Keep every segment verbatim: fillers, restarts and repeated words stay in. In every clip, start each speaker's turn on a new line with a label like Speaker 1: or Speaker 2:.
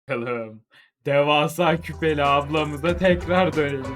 Speaker 1: Bakalım. Devasa küpeli ablamıza tekrar dönelim.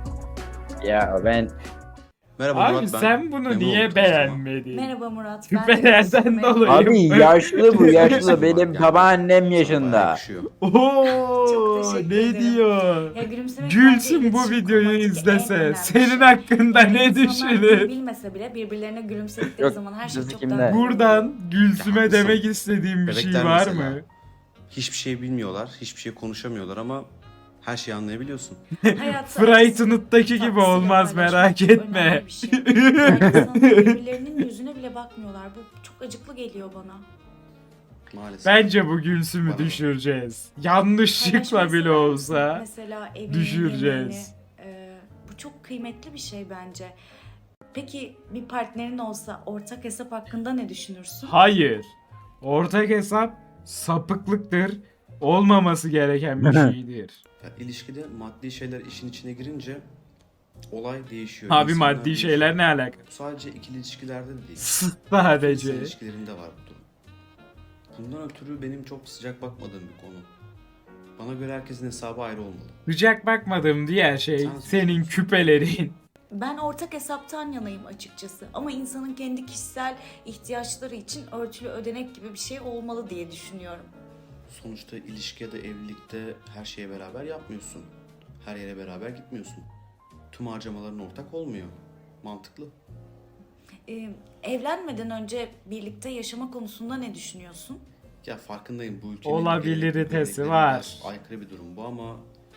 Speaker 2: Ya ben
Speaker 3: Merhaba
Speaker 1: Abi
Speaker 3: Murat, ben
Speaker 1: sen bunu
Speaker 3: memnun
Speaker 1: niye
Speaker 3: oldum tanıştığıma.
Speaker 1: beğenmedin?
Speaker 4: Merhaba Murat. Ben de
Speaker 1: Küpelerden
Speaker 4: tanıştığıma
Speaker 1: dolayı.
Speaker 2: abi yaşlı bu yaşlı benim
Speaker 3: Yani
Speaker 2: babaannem
Speaker 3: sana bayağı
Speaker 2: yaşında.
Speaker 3: yakışıyor.
Speaker 1: Oo,
Speaker 4: teşekkür
Speaker 1: ne
Speaker 4: ederim.
Speaker 1: diyor?
Speaker 4: Ya gülümsemek
Speaker 1: Gülsün
Speaker 4: bence
Speaker 1: bu
Speaker 4: iletişim
Speaker 1: videoyu
Speaker 4: kurmadaki en
Speaker 1: izlese
Speaker 4: önemli
Speaker 1: senin
Speaker 4: şey.
Speaker 1: hakkında
Speaker 4: Yani
Speaker 1: ne
Speaker 4: insanlar bunu
Speaker 1: düşünür?
Speaker 4: bilmese bile birbirlerine gülümsedikleri
Speaker 2: Yok,
Speaker 4: zaman her şey
Speaker 2: bizi
Speaker 4: çok
Speaker 2: kimler?
Speaker 4: daha iyi oluyor.
Speaker 1: Buradan Gülsüm'e
Speaker 3: haklısın.
Speaker 1: demek istediğim bir şey
Speaker 3: Bebekler
Speaker 1: var
Speaker 3: mesela.
Speaker 1: mı?
Speaker 3: Hiçbir şey bilmiyorlar, hiçbir şey konuşamıyorlar ama her şeyi anlayabiliyorsun.
Speaker 4: Hayatta
Speaker 1: Frightened'daki gibi
Speaker 4: tatlısıyla
Speaker 1: olmaz,
Speaker 4: paylaşmak
Speaker 1: merak
Speaker 4: çok
Speaker 1: etme.
Speaker 4: önemli bir şey. Yani insanlar birbirlerinin yüzüne bile bakmıyorlar. Bu çok acıklı geliyor bana.
Speaker 3: Maalesef.
Speaker 1: Bence bu Gülsüm'ü
Speaker 3: Bana-
Speaker 1: düşüreceğiz. Yanlışlıkla
Speaker 4: Paylaşmayı
Speaker 1: bile
Speaker 4: sever misin?
Speaker 1: olsa
Speaker 4: Mesela evini,
Speaker 1: düşüreceğiz.
Speaker 4: yemeğini, e, bu çok kıymetli bir şey bence. Peki bir partnerin olsa ortak hesap hakkında ne düşünürsün?
Speaker 1: Hayır. Ortak hesap sapıklıktır. Olmaması gereken bir şeydir.
Speaker 3: Ya, ilişkide maddi şeyler işin içine girince olay değişiyor.
Speaker 1: Abi
Speaker 3: İnsanlar
Speaker 1: maddi
Speaker 3: değişiyor.
Speaker 1: şeyler ne alaka?
Speaker 3: Bu sadece ikili ilişkilerde de değil. İnsan
Speaker 1: Sadece.
Speaker 3: ilişkilerinde var bu durum. Bundan ötürü benim çok sıcak bakmadığım bir konu. Bana göre herkesin hesabı ayrı olmalı.
Speaker 1: Sıcak bakmadığım diğer şey
Speaker 3: Sen-
Speaker 1: senin küpelerin.
Speaker 4: Ben ortak hesaptan yanayım açıkçası. Ama insanın kendi kişisel ihtiyaçları için örtülü ödenek gibi bir şey olmalı diye düşünüyorum.
Speaker 3: Sonuçta ilişki ya da evlilikte her şeye beraber yapmıyorsun. Her yere beraber gitmiyorsun. Tüm harcamaların ortak olmuyor. Mantıklı.
Speaker 4: Ee, evlenmeden önce birlikte yaşama konusunda ne düşünüyorsun?
Speaker 3: Ya farkındayım bu ülkenin
Speaker 1: Olabiliritesi
Speaker 3: gelenekleri,
Speaker 1: var.
Speaker 3: biraz aykırı bir durum bu ama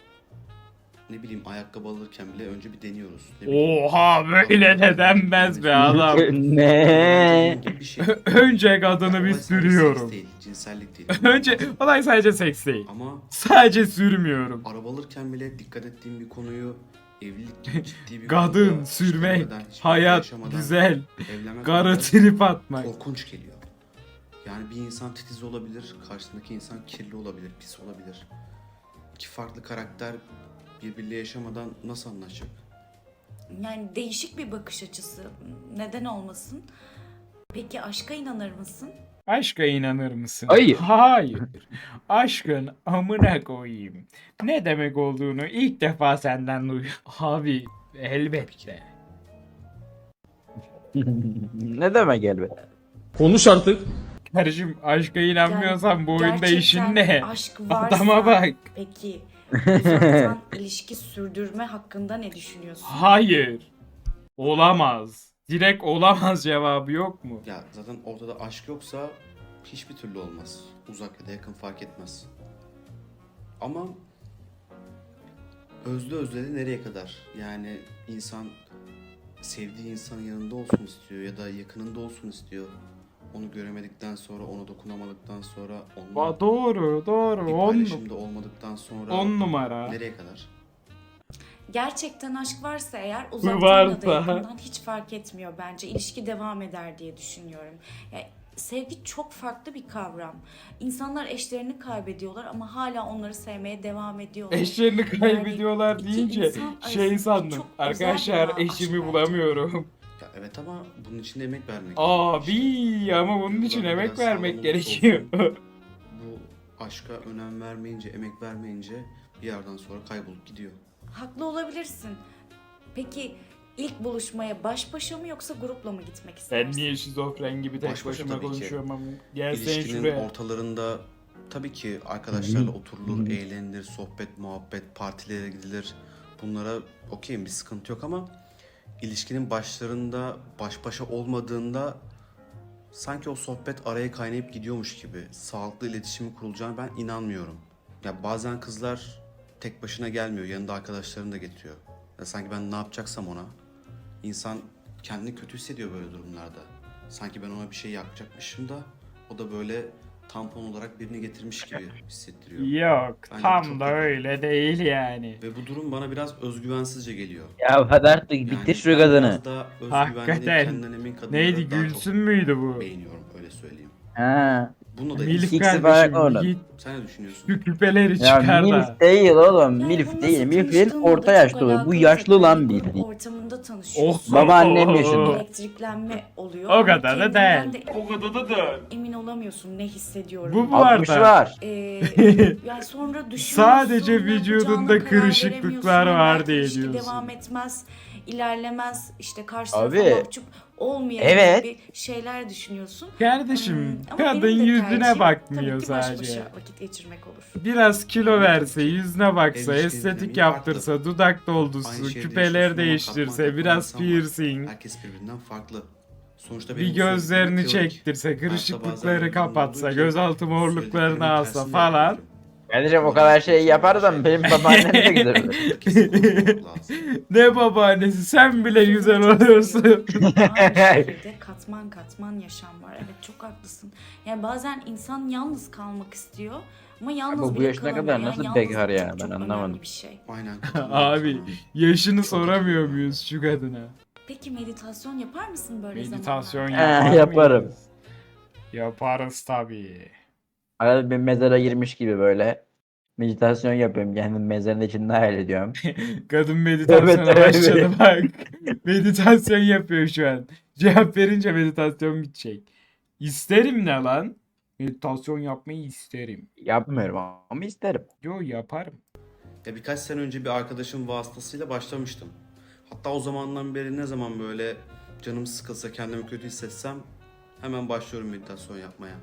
Speaker 3: ne bileyim ayakkabı alırken bile önce bir deniyoruz. Ne bileyim.
Speaker 1: Oha, böyle de denmez be adam.
Speaker 2: Ne?
Speaker 3: Bunun gibi bir şey.
Speaker 1: Önce kadını bir
Speaker 3: Olay sadece
Speaker 1: sürüyorum.
Speaker 3: seks değil, cinsellik değil.
Speaker 1: Önce olay sadece seks değil.
Speaker 3: Ama
Speaker 1: Sadece sürmüyorum.
Speaker 3: araba alırken bile dikkat ettiğim bir konuyu evlilik gibi ciddi bir
Speaker 1: Kadın,
Speaker 3: konuda
Speaker 1: sürmek,
Speaker 3: işlemeden, hiçbir şey
Speaker 1: hayat,
Speaker 3: yaşamadan
Speaker 1: güzel,
Speaker 3: evlenmek
Speaker 1: karı
Speaker 3: bana
Speaker 1: trip atmak.
Speaker 3: korkunç geliyor. Yani bir insan titiz olabilir, karşısındaki insan kirli olabilir, pis olabilir. İki farklı karakter birbiriyle yaşamadan nasıl anlaşacak?
Speaker 4: Yani değişik bir bakış açısı. Neden olmasın? Peki aşka inanır mısın?
Speaker 1: Aşka inanır mısın?
Speaker 2: Hayır.
Speaker 1: Hayır. Aşkın amına koyayım. Ne demek olduğunu ilk defa senden duyuyorum. Abi elbette.
Speaker 2: Ne demek elbette?
Speaker 5: Konuş artık.
Speaker 1: Kardeşim aşka inanmıyorsan bu oyunda
Speaker 4: gerçekten
Speaker 1: işin ne?
Speaker 4: aşk varsa,
Speaker 1: Adama bak.
Speaker 4: Peki uzaktan ilişki sürdürme hakkında ne düşünüyorsun?
Speaker 1: Hayır. Olamaz. Direkt olamaz cevabı yok mu?
Speaker 3: Ya zaten ortada aşk yoksa hiçbir türlü olmaz. Uzak ya da yakın fark etmez. Ama özlü özledi nereye kadar? Yani insan sevdiği insanın yanında olsun istiyor ya da yakınında olsun istiyor. Onu göremedikten sonra, onu dokunamadıktan sonra, onunla
Speaker 1: Ba- doğru doğru.
Speaker 3: bir
Speaker 1: On,
Speaker 3: paylaşımda olmadıktan sonra
Speaker 1: on numara.
Speaker 3: nereye kadar?
Speaker 4: Gerçekten aşk varsa eğer uzaktan
Speaker 1: Varsa.
Speaker 4: ya da yakından hiç fark etmiyor bence. İlişki devam eder diye düşünüyorum. Yani sevgi çok farklı bir kavram. İnsanlar eşlerini kaybediyorlar ama hala onları sevmeye devam ediyorlar.
Speaker 1: Eşlerini kaybediyorlar
Speaker 4: iki
Speaker 1: deyince
Speaker 4: insan arasındaki
Speaker 1: şey sandım.
Speaker 4: çok özel
Speaker 1: Arkadaşlar
Speaker 4: bir bağ
Speaker 1: eşimi
Speaker 4: aşk
Speaker 1: bulamıyorum.
Speaker 3: Ya evet ama bunun için de emek vermek.
Speaker 1: Abi ama bunun için
Speaker 3: Duyguların
Speaker 1: emek
Speaker 3: biraz
Speaker 1: vermek
Speaker 3: sağlam
Speaker 1: gerekiyor.
Speaker 3: olursa Bu aşka önem vermeyince, emek vermeyince bir yerden sonra kaybolup gidiyor.
Speaker 4: Haklı olabilirsin. Peki ilk buluşmaya baş başa mı yoksa grupla mı gitmek istersin?
Speaker 1: Ben niye şizofren gibi tek
Speaker 3: Baş başa
Speaker 1: başıma
Speaker 3: tabii ki.
Speaker 1: konuşuyorum ama gelsene
Speaker 3: İlişkinin
Speaker 1: şuraya.
Speaker 3: ortalarında tabii ki arkadaşlarla oturulur, eğlenilir, sohbet, muhabbet, partilere gidilir. Bunlara okeyim, bir sıkıntı yok ama ilişkinin başlarında baş başa olmadığında sanki o sohbet araya kaynayıp gidiyormuş gibi sağlıklı iletişimi kurulacağına ben inanmıyorum. Ya bazen kızlar tek başına gelmiyor, yanında arkadaşlarını da getiriyor. Ya sanki ben ne yapacaksam ona. İnsan kendini kötü hissediyor böyle durumlarda. Sanki ben ona bir şey yapacakmışım da o da böyle tampon olarak birini getirmiş gibi hissettiriyor.
Speaker 1: Yok
Speaker 3: Bence bu
Speaker 1: tam
Speaker 3: çok
Speaker 1: da
Speaker 3: kötü.
Speaker 1: öyle değil yani.
Speaker 3: Ve bu durum bana biraz özgüvensizce geliyor.
Speaker 2: Ya hadi artık
Speaker 3: Yani
Speaker 2: bitir şu
Speaker 3: ben
Speaker 2: kadını.
Speaker 3: biraz daha özgüvenli,
Speaker 1: Hakikaten.
Speaker 3: kendinden emin kadınları
Speaker 1: Neydi,
Speaker 3: daha
Speaker 1: Gülsün
Speaker 3: çok
Speaker 1: müydü bu?
Speaker 3: beğeniyorum, öyle söyleyeyim.
Speaker 2: Ha.
Speaker 3: Bu Bunu da
Speaker 1: Milf
Speaker 2: İkisi falan
Speaker 1: kardeşim
Speaker 2: onun.
Speaker 1: git
Speaker 3: sen ne düşünüyorsun?
Speaker 1: şu küpeleri
Speaker 2: Ya
Speaker 1: çıkar da.
Speaker 2: milf değil oğlum.
Speaker 4: Yani
Speaker 2: Milf
Speaker 4: bu
Speaker 2: değil.
Speaker 4: nasıl
Speaker 2: Milf'in
Speaker 4: tanıştığınla
Speaker 2: orta
Speaker 4: da
Speaker 2: yaşlı
Speaker 4: çok
Speaker 2: olur. Bu
Speaker 4: alakalı.
Speaker 2: yaşlı lan
Speaker 4: Tekrar bir
Speaker 2: bildiğin.
Speaker 4: ortamında tanışıyorsun.
Speaker 2: Baba annem yaşında.
Speaker 4: Elektriklenme oluyor.
Speaker 1: O
Speaker 4: Ama
Speaker 1: kadar da
Speaker 4: kendinden
Speaker 1: değil.
Speaker 4: de
Speaker 1: O kadar da değil.
Speaker 4: emin olamıyorsun ne hissediyorum.
Speaker 1: Bu bu
Speaker 2: altmışı
Speaker 1: arada.
Speaker 2: var.
Speaker 4: Ee, yani sonra düşünüyorsun.
Speaker 1: Sadece
Speaker 4: ne yapacağına
Speaker 1: vücudunda
Speaker 4: karar
Speaker 1: kırışıklıklar
Speaker 4: veremiyorsun.
Speaker 1: var
Speaker 4: Belki
Speaker 1: diye
Speaker 4: ilişki
Speaker 1: diyorsun.
Speaker 4: devam etmez, ilerlemez. İşte karşı
Speaker 2: Abi.
Speaker 4: tarafa mahcup olmayalım
Speaker 2: Evet.
Speaker 4: gibi şeyler düşünüyorsun.
Speaker 1: Kardeşim
Speaker 4: Hmm, ama
Speaker 1: kadın
Speaker 4: benim de
Speaker 1: yüzüne
Speaker 4: tercihim
Speaker 1: bakmıyor
Speaker 4: tabii ki baş
Speaker 1: sadece.
Speaker 4: başa vakit geçirmek olur.
Speaker 1: Biraz kilo verse, yüzüne baksa,
Speaker 3: Ev
Speaker 1: estetik
Speaker 3: işleri
Speaker 1: yaptırsa, dudak
Speaker 3: Aynı
Speaker 1: doldusu,
Speaker 3: şehirde
Speaker 1: küpeler
Speaker 3: yaşıyorsun ama
Speaker 1: değiştirse,
Speaker 3: katman
Speaker 1: biraz
Speaker 3: katman insan var.
Speaker 1: piercing,
Speaker 3: Herkes birbirinden farklı. Sonuçta
Speaker 1: bir
Speaker 3: benim bu
Speaker 1: gözlerini
Speaker 3: söylediklerim teorik.
Speaker 1: çektirse,
Speaker 3: Hayatta bazen
Speaker 1: kırışıklıkları
Speaker 3: öyle bir durum
Speaker 1: kapatsa,
Speaker 3: oluyor ki
Speaker 1: gözaltı morluklarını
Speaker 3: söylediklerimin
Speaker 1: alsa
Speaker 3: tersini
Speaker 1: falan.
Speaker 3: yapıyorum.
Speaker 2: Kardeşim o kadar şey yaparsam benim babaannem de güzel olur.
Speaker 3: Kesin konuşmak lazım.
Speaker 1: Ne babaannesi sen bile güzel oluyorsun.
Speaker 4: Aynı şehirde katman katman yaşam var. Evet çok haklısın. Yani bazen insan yalnız kalmak istiyor ama yalnız
Speaker 2: Ama bu
Speaker 4: bile
Speaker 2: yaşına
Speaker 4: kalamıyor.
Speaker 2: kadar
Speaker 4: Yani
Speaker 2: nasıl
Speaker 4: yalnızlık
Speaker 2: bekar ya?
Speaker 4: çok,
Speaker 2: Ben
Speaker 4: çok
Speaker 2: anlamadım.
Speaker 4: önemli bir şey.
Speaker 3: Aynen.
Speaker 1: Abi yaşını soramıyor muyuz şu kadına?
Speaker 4: Peki meditasyon yapar mısın böyle
Speaker 1: Meditasyon
Speaker 4: zamanlarda?
Speaker 1: yapar
Speaker 2: He, yaparım.
Speaker 1: mıyız? Yaparız tabii.
Speaker 2: Arada bir mezara girmiş gibi böyle meditasyon yapıyorum. Kendim mezarın içinde hayal ediyorum.
Speaker 1: Kadın meditasyona
Speaker 2: Evet, evet.
Speaker 1: başladı bak. Meditasyon yapıyor şu an. Cevap verince meditasyon bitecek. İsterim ne lan? Meditasyon yapmayı isterim.
Speaker 2: Yapmıyorum ama isterim.
Speaker 1: Yo yaparım.
Speaker 3: Ya birkaç sene önce bir arkadaşım vasıtasıyla başlamıştım. Hatta o zamandan beri ne zaman böyle canım sıkılsa, kendimi kötü hissetsem hemen başlıyorum meditasyon yapmaya.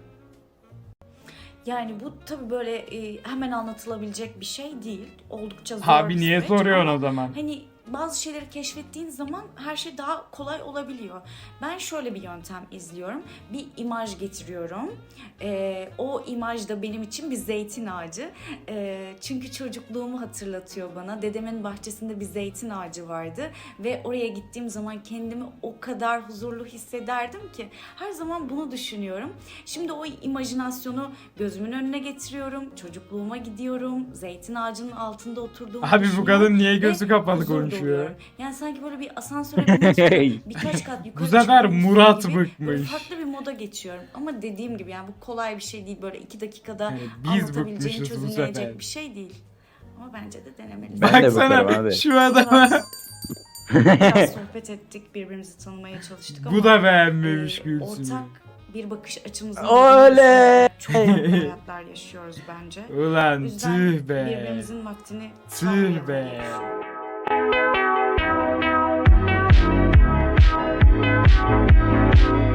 Speaker 4: Yani bu tabii böyle e, hemen anlatılabilecek bir şey değil. Oldukça zor
Speaker 1: Abi
Speaker 4: bir
Speaker 1: niye
Speaker 4: süreç
Speaker 1: soruyorsun
Speaker 4: ama
Speaker 1: o zaman?
Speaker 4: Hani bazı şeyleri keşfettiğin zaman her şey daha kolay olabiliyor. Ben şöyle bir yöntem izliyorum. Bir imaj getiriyorum. Ee, o imaj da benim için bir zeytin ağacı. Ee, çünkü çocukluğumu hatırlatıyor bana. Dedemin bahçesinde bir zeytin ağacı vardı. Ve oraya gittiğim zaman kendimi o kadar huzurlu hissederdim ki. Her zaman bunu düşünüyorum. Şimdi o imajinasyonu gözümün önüne getiriyorum. Çocukluğuma gidiyorum. Zeytin ağacının altında oturduğumu
Speaker 1: Abi bu
Speaker 4: düşünüyorum.
Speaker 1: kadın niye
Speaker 4: Ve
Speaker 1: gözü kapalı
Speaker 4: huzur
Speaker 1: konuşuyor?
Speaker 4: doluyorum. Yani sanki böyle bir asansöre binmek için birkaç kat yukarı
Speaker 1: Bu sefer
Speaker 4: çıkıyormuşum
Speaker 1: Murat
Speaker 4: gibi böyle
Speaker 1: bıkmış.
Speaker 4: farklı bir moda geçiyorum. Ama dediğim gibi yani bu kolay bir şey değil. Böyle iki dakikada
Speaker 1: Yani biz
Speaker 4: anlatabileceğin,
Speaker 1: bıkmışız bu
Speaker 4: çözümleyecek
Speaker 1: sefer.
Speaker 4: bir şey değil. Ama bence de denemelisin.
Speaker 2: Ben de
Speaker 1: Baksana
Speaker 2: bakarım abi.
Speaker 1: şu adama.
Speaker 4: Biraz, biraz sohbet ettik, birbirimizi tanımaya çalıştık ama
Speaker 1: Bu da beğenmemiş
Speaker 4: e,
Speaker 1: Gülsüm'ü.
Speaker 4: ortak bir bakış açımızın
Speaker 2: Oley!
Speaker 4: çok farklı hayatlar yaşıyoruz bence. O
Speaker 1: Ulan
Speaker 4: yüzden
Speaker 1: tüh be.
Speaker 4: birbirimizin vaktini
Speaker 1: Tüh be.
Speaker 4: çalmayalım.